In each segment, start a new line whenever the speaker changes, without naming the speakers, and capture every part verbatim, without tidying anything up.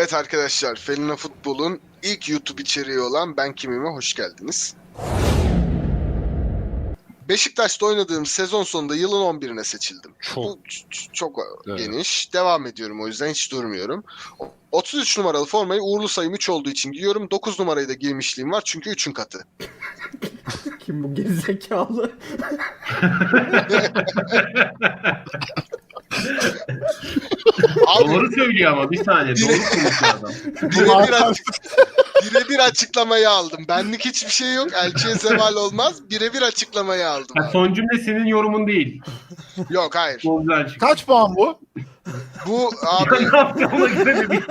Evet arkadaşlar, Felina Futbol'un ilk YouTube içeriği olan Ben Kimim'e hoş geldiniz. Beşiktaş'ta oynadığım sezon sonunda yılın on birine seçildim.
Çok.
Bu ç- çok
Evet.
geniş. Devam ediyorum, o yüzden hiç durmuyorum. otuz üç numaralı formayı uğurlu sayım üç olduğu için giyiyorum. dokuz numarayı da giymişliğim var çünkü üçün katı.
Kim bu gerizekalı?
Abi
Doğru söylüyor ama bir saniye doğru konuşuyor adam.
birebir açık, birebir açıklamayı aldım. Benlik hiçbir şey yok. Elçiye zeval olmaz. Birebir açıklamayı aldım.
Ha,
Abi.
son cümle senin yorumun değil.
Yok, hayır.
Çok güzel çıktı.
Kaç puan bu?
Bu abi
Ne yapacağım ona göre bir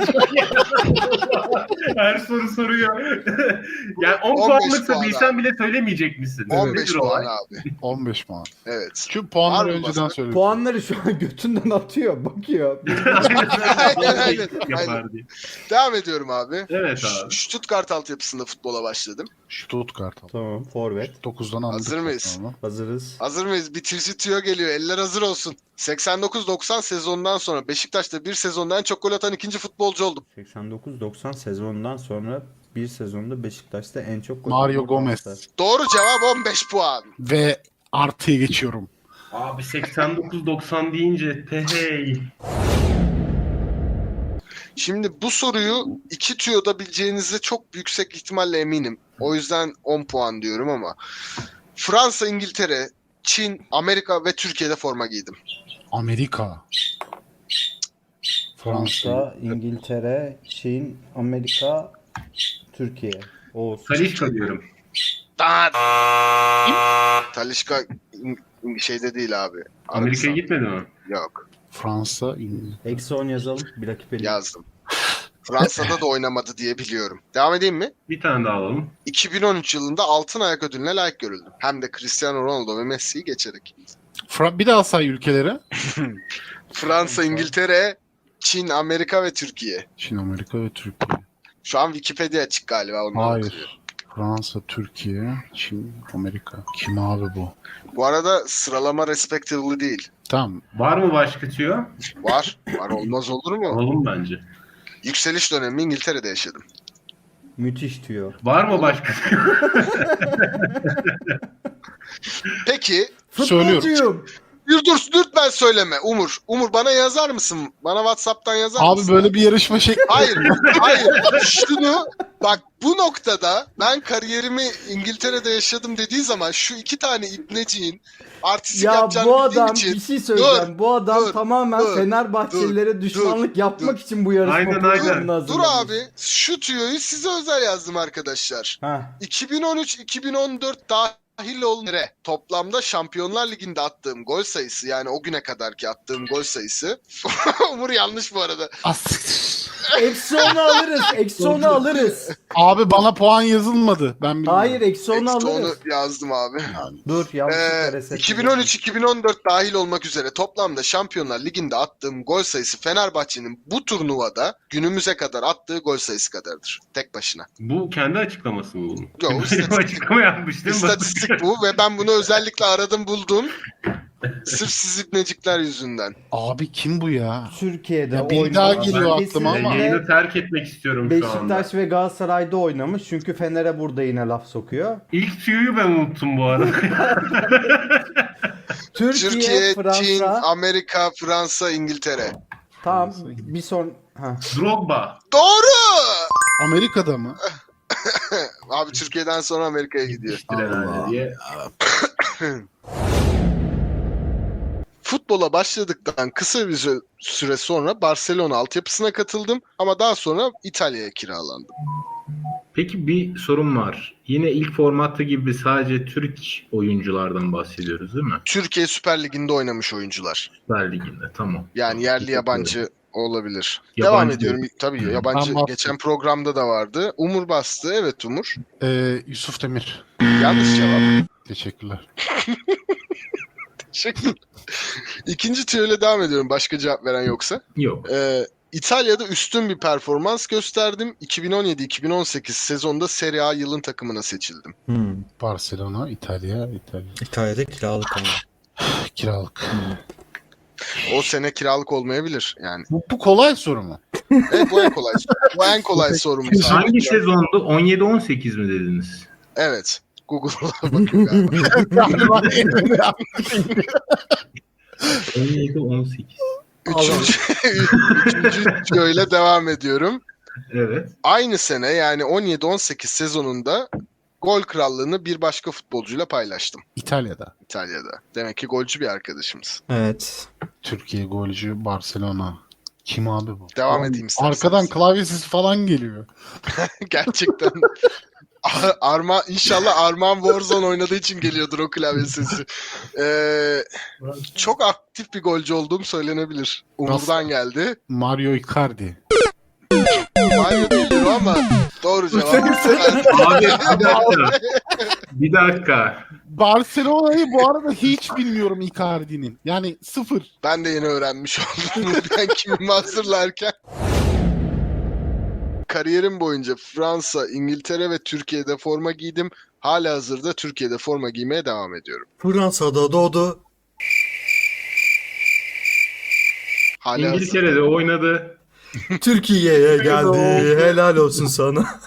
Her soru soruyor. Yani on
on beş
puanlıksa
puan
bilsen bile söylemeyecek misin?
on beş
Nedir
puan
olay?
abi.
on beş puan.
Evet.
Şu puanları
Var mı
önceden
başka?
söyle.
Puanları şu an götünden atıyor, bakıyor.
Aynen, aynen,
Yapar diye.
Devam ediyorum abi.
Evet
Ş-
abi.
Stuttgart altyapısında futbola başladım.
Stuttgart.
Tamam, forvet.
dokuzdan anladık.
Hazır mıyız?
zaten onu.
Hazırız.
Hazır mıyız? Bitirici tüyo geliyor. Eller hazır olsun. seksen dokuz doksan sezonundan sonra Beşiktaş'ta bir sezonda en çok gol atan ikinci futbolcu oldum.
seksen dokuz doksan sezonundan sonra bir sezonda Beşiktaş'ta en çok gol
Mario
atan
Gomez.
transfer.
Doğru cevap on beş puan.
Ve artıya geçiyorum.
Abi seksen dokuz doksan deyince tehey.
Şimdi bu soruyu iki tüyoda bileceğinize çok yüksek ihtimalle eminim. O yüzden on puan diyorum ama. Fransa, İngiltere, Çin, Amerika ve Türkiye'de forma giydim.
Amerika. Fransa.
Fransa, İngiltere, Çin, Amerika, Türkiye. Oğuz.
Talişka diyorum.
Da- Talisca İng- şeyde değil abi.
Amerika'ya
Arabistan.
gitmedi mi?
Yok.
Fransa. İngiliz.
Eksi on yazalım. Bir rakip eli.
Yazdım. Fransa'da da oynamadı diye biliyorum. Devam edeyim mi?
Bir tane daha alalım.
iki bin on üç yılında Altın Ayak ödülüne layık görüldüm. Hem de Cristiano Ronaldo ve Messi'yi geçerek.
Fra- bir daha say ülkeleri.
Fransa, İngiltere, Çin, Amerika ve Türkiye.
Çin, Amerika ve Türkiye.
Şu an Wikipedia açık galiba. Ondan bakıyorum.
Hayır. Fransa, Türkiye, Çin, Amerika. Kim abi bu?
Bu arada sıralama respectively değil.
Tamam.
Var mı başka tüyo?
Var. Var, olmaz olur mu?
Alalım bence.
Yükseliş dönemi İngiltere'de yaşadım.
Müthiş tüyo.
Var mı başka tüyo?
Peki.
Söylüyorum.
Futbolcuyum.
Dur dur lütfen söyleme Umur. Umur bana yazar mısın? Bana WhatsApp'tan yazar
Abi
mısın?
böyle bir yarışma şekli.
Hayır, hayır. Şunu bak, bu noktada ben kariyerimi İngiltere'de yaşadım dediği zaman şu iki tane ibneciğin artistik
Ya
yapacağını
bu
bildiğim
adam
için
bir şey söyleyeceğim. bu adam
dur,
tamamen
dur,
Fenerbahçelilere düşmanlık yapmak
dur.
için bu yarışma
Aynen,
programını
aynen.
hazırlamış.
dur abi, şu tüyoyu size özel yazdım arkadaşlar.
Heh.
iki bin on üç iki bin on dört dahil olmaya toplamda Şampiyonlar Ligi'nde attığım gol sayısı, yani o güne kadarki attığım gol sayısı Umur yanlış bu arada.
As-
Eksi onu alırız. Eksi onu alırız.
Abi bana puan yazılmadı. Ben bilmiyorum.
Hayır, eksi onu
Eksi onu
alırız.
yazdım abi.
Dur, yanlışlıkla
Ee,
reset.
iki bin on üç iki bin on dört dahil olmak üzere toplamda Şampiyonlar Ligi'nde attığım gol sayısı Fenerbahçe'nin bu turnuvada günümüze kadar attığı gol sayısı kadardır. Tek başına.
Bu kendi açıklaması mı bunun?
Yok,
Böyle bir
istatistik.
açıklama yapmış değil mi?
İstatistik bu ve ben bunu özellikle aradım buldum. Sırf siz ibnecikler yüzünden.
Abi kim bu ya?
Türkiye'de
Ya bir
oynamış.
daha geliyor
Kesinlikle
aklıma ama.
Yayını terk etmek istiyorum şu anda.
Beşiktaş ve Galatasaray'da oynamış. Çünkü Fener'e burada yine laf sokuyor.
İlk tüyoyu ben unuttum bu arada.
Türkiye,
Türkiye,
Fransa.
Çin, Amerika, Fransa, İngiltere.
Tamam, bir son... Ha.
Drogba.
Doğru!
Amerika'da mı?
Abi Türkiye'den sonra Amerika'ya gidiyor.
herhalde diye.
Futbola başladıktan kısa bir sü- süre sonra Barcelona altyapısına katıldım ama daha sonra İtalya'ya kiralandım.
Peki bir sorun var. Yine ilk formatta gibi sadece Türk oyunculardan bahsediyoruz değil mi?
Türkiye Süper Ligi'nde oynamış oyuncular.
Süper Lig'de tamam.
Yani yerli yabancı olabilir.
Yabancı
Devam
değil.
ediyorum. Tabii yabancı
Ben bastım.
geçen programda da vardı. Umur bastı. Evet Umur.
Ee, Yusuf Demir.
Yanlış cevap.
Teşekkürler.
Teşekkür. İkinci tüyoyla devam ediyorum. Başka cevap veren yoksa.
Yok.
Ee, İtalya'da üstün bir performans gösterdim. iki bin on yedi iki bin on sekiz sezonda Serie A yılın takımına seçildim.
Hmm.
Barcelona, İtalya, İtalya.
İtalya'da kiralık ama.
Kiralık.
O sene kiralık olmayabilir yani.
Bu, bu kolay soru mu?
Evet, bu en kolay. Bu en kolay sorumuz. abi.
Hangi sezondu? on yedi on sekiz mi dediniz?
Evet. Google'a bakın galiba.
on yedi on sekiz.
Üçüncü, üçüncü şöyle devam ediyorum.
Evet.
Aynı sene yani on yedi on sekiz sezonunda gol krallığını bir başka futbolcuyla paylaştım
İtalya'da.
İtalya'da. Demek ki golcü bir arkadaşımız.
Evet.
Türkiye golcü Barcelona. Kim abi bu?
Devam
Oğlum,
edeyim isterseniz.
arkadan klavye sesi falan geliyor.
Gerçekten. Ar- Arma inşallah Arman Warzone oynadığı için geliyordur o klavye sesi. Ee, çok aktif bir golcü olduğum söylenebilir. Umur'dan geldi.
Mario Icardi.
Mario değildir o ama doğru cevap.
Abi bir dakika. Bir dakika.
Barcelona'yı bu arada hiç bilmiyorum Icardi'nin. Yani sıfır.
Ben de yeni öğrenmiş oldum. Ben kimimi hazırlarken. Kariyerim boyunca Fransa, İngiltere ve Türkiye'de forma giydim. Hala hazırda Türkiye'de forma giymeye devam ediyorum.
Fransa'da doğdu.
Hala hazırda.
İngiltere'de oynadı.
Türkiye'ye geldi. Helal olsun sana.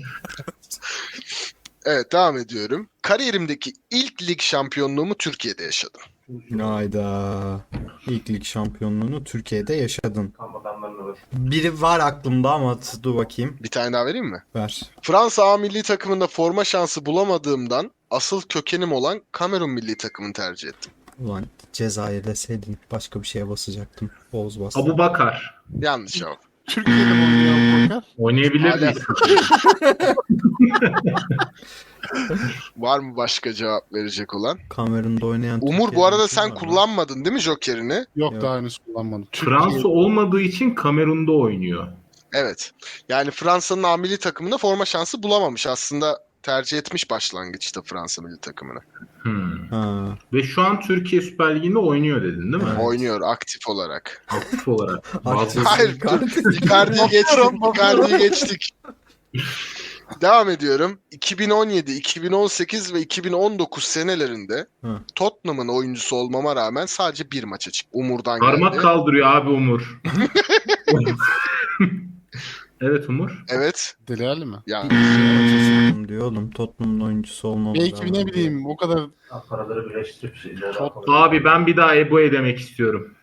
Evet, devam ediyorum. Kariyerimdeki ilk lig şampiyonluğumu Türkiye'de yaşadım.
Hayda. İlk lig şampiyonluğunu Türkiye'de yaşadın. Biri var aklımda ama t- dur bakayım.
Bir tane daha vereyim mi?
Ver.
Fransa A milli takımında forma şansı bulamadığımdan asıl kökenim olan Kamerun milli takımını tercih ettim.
Ulan Cezayir deseydin başka bir şeye basacaktım. Oğuz bastı.
Abu Bakar.
Yanlış cevap.
Türkiye'de mi oynuyor Bakar?
Oynayabilir
Hala.
miyiz?
Var mı başka cevap verecek olan?
Kamerun'da oynayan
Umur,
Türkiye'den
bu arada
kim
sen
var lan?
kullanmadın değil mi Joker'ini?
Yok,
Yok.
daha henüz kullanmadım.
Fransa olmadığı için Kamerun'da oynuyor.
Evet. Yani Fransa'nın A milli takımında forma şansı bulamamış. Aslında tercih etmiş başlangıçta Fransa milli takımını.
Hmm.
Ha.
Ve şu an Türkiye Süper Ligi'nde oynuyor dedin değil mi?
Evet.
Oynuyor aktif olarak.
Aktif olarak.
Aktif.
Bazı...
Hayır, dur. Icardi'yi geçtik. Icardi'yi geçtik. Devam ediyorum. iki bin on yedi, iki bin on sekiz ve iki bin on dokuz senelerinde
Hı.
Tottenham'ın oyuncusu olmama rağmen sadece bir maça çıktım. Umur'dan
Parmak
geldi.
kaldırıyor abi Umur. Evet Umur.
Evet.
Deli Ali mi?
Yani
Tottenham diyor oğlum. Tottenham'ın oyuncusu olmamız
Belki ne bileyim o kadar
Paraları birleştirip şeyleri
Çok-
Abi ben bir daha Ebo'ya demek istiyorum.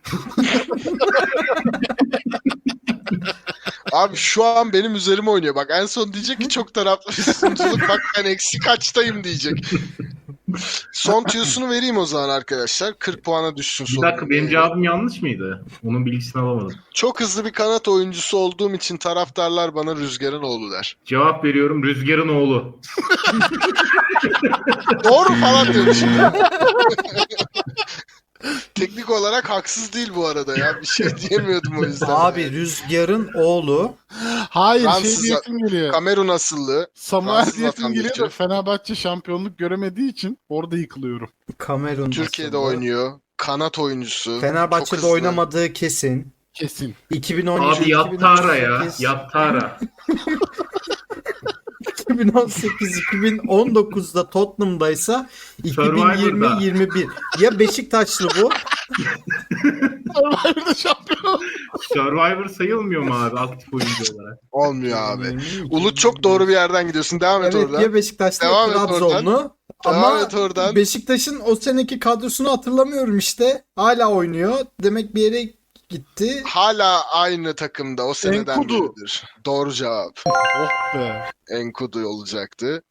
abi şu an benim üzerime oynuyor. Bak en son diyecek ki çok taraflı bir sunuculuk. Bak ben eksi kaçtayım diyecek. Son tüyosunu vereyim o zaman arkadaşlar. kırk puana düşsün
Bir
sonunda.
dakika benim cevabım yanlış mıydı? Onun bilgisini alamadım.
Çok hızlı bir kanat oyuncusu olduğum için taraftarlar bana Rüzgar'ın oğlu der.
Cevap veriyorum Rüzgar'ın oğlu.
Doğru falan diyorum şimdi. Teknik olarak haksız değil bu arada ya. Bir şey diyemiyordum o yüzden.
Abi Rüzgar'ın oğlu
hayır
Fransız-
şey diyesim geliyor.
Kamerun asıllı.
Samuel
Fransız
diyesim geliyor da
vatandaşı.
Fenerbahçe şampiyonluk göremediği için orada yıkılıyorum.
Kamerun
Türkiye'de
aslında.
oynuyor. Kanat oyuncusu. Çok
Fenerbahçe'de
hızlı.
oynamadığı kesin.
Kesin.
iki bin on yedi
Abi yattı ara ya.
iki bin on sekiz
Yattı ara.
iki bin on sekiz iki bin on dokuzda Tottenham'daysa
Survivor'da.
iki bin yirmi yirmi bir. Ya Beşiktaşlı bu?
Survivor'da şampiyon.
Survivor sayılmıyor mu abi aktif oyuncu olarak?
Olmuyor abi. Ulut çok doğru bir yerden gidiyorsun. Devam et
Evet
oradan.
ya Beşiktaşlı
Devam
ya
et oradan.
Trabzonlu.
Devam
Ama
et oradan.
Beşiktaş'ın o seneki kadrosunu hatırlamıyorum işte. Hala oynuyor. Demek bir yere gitti.
Hala aynı takımda. O seneden
Enkudu.
beridir. Doğru cevap.
Oh be.
Enkudu olacaktı.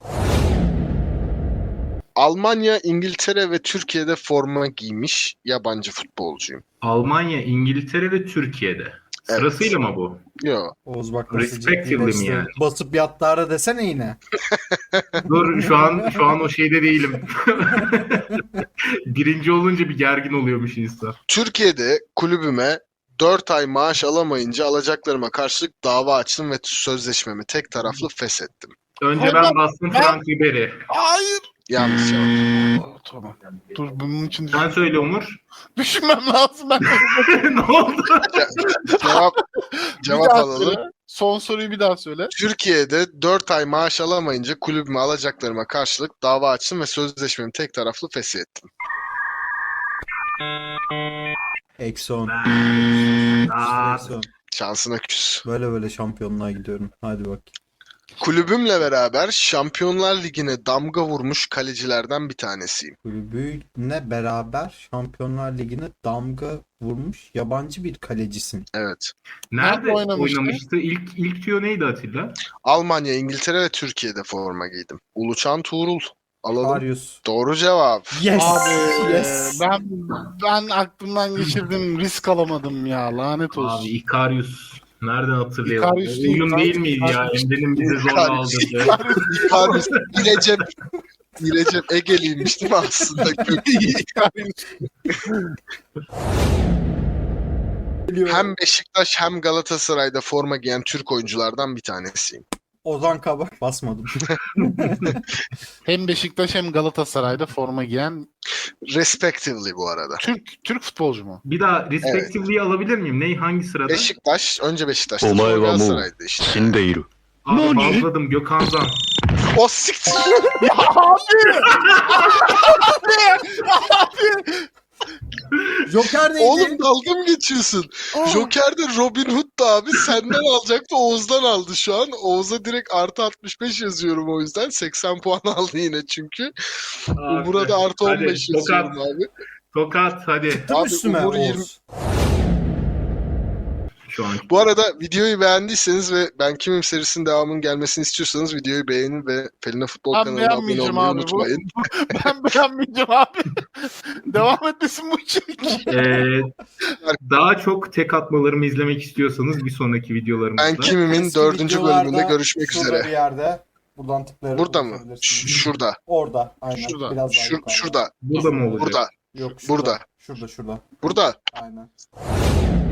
Almanya, İngiltere ve Türkiye'de forma giymiş yabancı futbolcuyum.
Almanya, İngiltere ve Türkiye'de.
Evet.
Sırasıyla mı bu?
Yo.
Oğuz bak nasıl
Respectively mi
ciddileşti.
yani?
Basıp yattı ara desene yine.
Dur şu an şu an o şeyde değilim. Birinci olunca bir gergin oluyormuş insan.
Türkiye'de kulübüme dört ay maaş alamayınca alacaklarıma karşılık dava açtım ve sözleşmemi tek taraflı feshettim.
Önce
Hayır,
ben
ben-
bastım
ben-
Frank Ribery.
Hayır.
Yanlış cevap.
Oh, tamam. Dur bunun için
Sen söyle Umur.
düşünmem lazım. Ben
Ne oldu?
Cevap
bir
cevap
daha
alalım.
söyle. Son soruyu bir daha söyle.
Türkiye'de dört ay maaş alamayınca kulübüme alacaklarıma karşılık dava açtım ve sözleşmemi tek taraflı feshettim.
Eksi on.
Aa,
Eksi on.
Şansına küs.
Böyle böyle şampiyonluğa gidiyorum. Hadi bak.
Kulübümle beraber Şampiyonlar Ligi'ne damga vurmuş kalecilerden bir tanesiyim.
Kulübüyle beraber Şampiyonlar Ligi'ne damga vurmuş yabancı bir kalecisin.
Evet.
Nerede
Nerede oynamıştı?
oynamıştı? İlk ilk tüyo neydi Atilla?
Almanya, İngiltere ve Türkiye'de forma giydim. Uluçan Tuğrul. Alalım.
Karius.
Doğru cevap.
Yes.
Abi
yes.
ben ben aklımdan geçirdim, risk alamadım ya, lanet olsun.
Abi Ikarius. Nereden hatırlayalım?
Ikarius değil,
Oyun değil
Ikarius,
miydi ya?
Ikarius.
Emre'nin bizi zorla
Ikarius.
aldırdı.
Icarus, İrecep, İrecep Ege'liymiş değil mi aslında? Hem Beşiktaş hem Galatasaray'da forma giyen Türk oyunculardan bir tanesiyim.
Ozan Kabak basmadım.
Hem Beşiktaş hem Galatasaray'da forma giyen
Respectively bu arada.
Türk Türk futbolcu mu?
Bir daha respectively'yi alabilir miyim? Ney? Hangi sırada?
Beşiktaş, önce Beşiktaş'ta sonra
お前はもう
Galatasaray'da işte.
死んでいる。
Abi bazladım Gökhan Zan.
O siktir.
Joker neydi?
Oğlum dalga mı geçiyorsun? Joker'de Robin Hood'du abi. Senden alacaktı. Oğuz'dan aldı şu an. Oğuz'a direkt artı altmış beş yazıyorum o yüzden. seksen puan aldı yine çünkü. Umur'a da artı
Hadi,
on beş
tokat.
yazıyorum abi.
Tokat hadi.
Tıktım
Abi,
üstüme
Umur
Oğuz.
yirmi
Şu an.
Bu arada videoyu beğendiyseniz ve Ben Kimim serisinin devamının gelmesini istiyorsanız videoyu beğenin ve Pelin'e Futbol
Ben
kanalına abone
beğenmeyeceğim
olmayı
abi. Bu,
unutmayın.
ben beğenmeyeceğim abi. Devam etmesin bu içerik.
Ee, daha çok tek atmalarımı izlemek istiyorsanız bir sonraki videolarımızda.
Ben Kimim'in
Eski
dördüncü
videolarda
bölümünde görüşmek
şurada
üzere.
bir yerde. Buradan tıklayarak
Burada mı?
ulaşabilirsiniz.
Ş- şurada.
Orada. Aynen.
Şurada.
Biraz daha
Şur-
yukarıda.
şurada.
Burada mı olacak?
Burada.
Yok şurada.
Burada.
Şurada şurada.
Burada.
Aynen.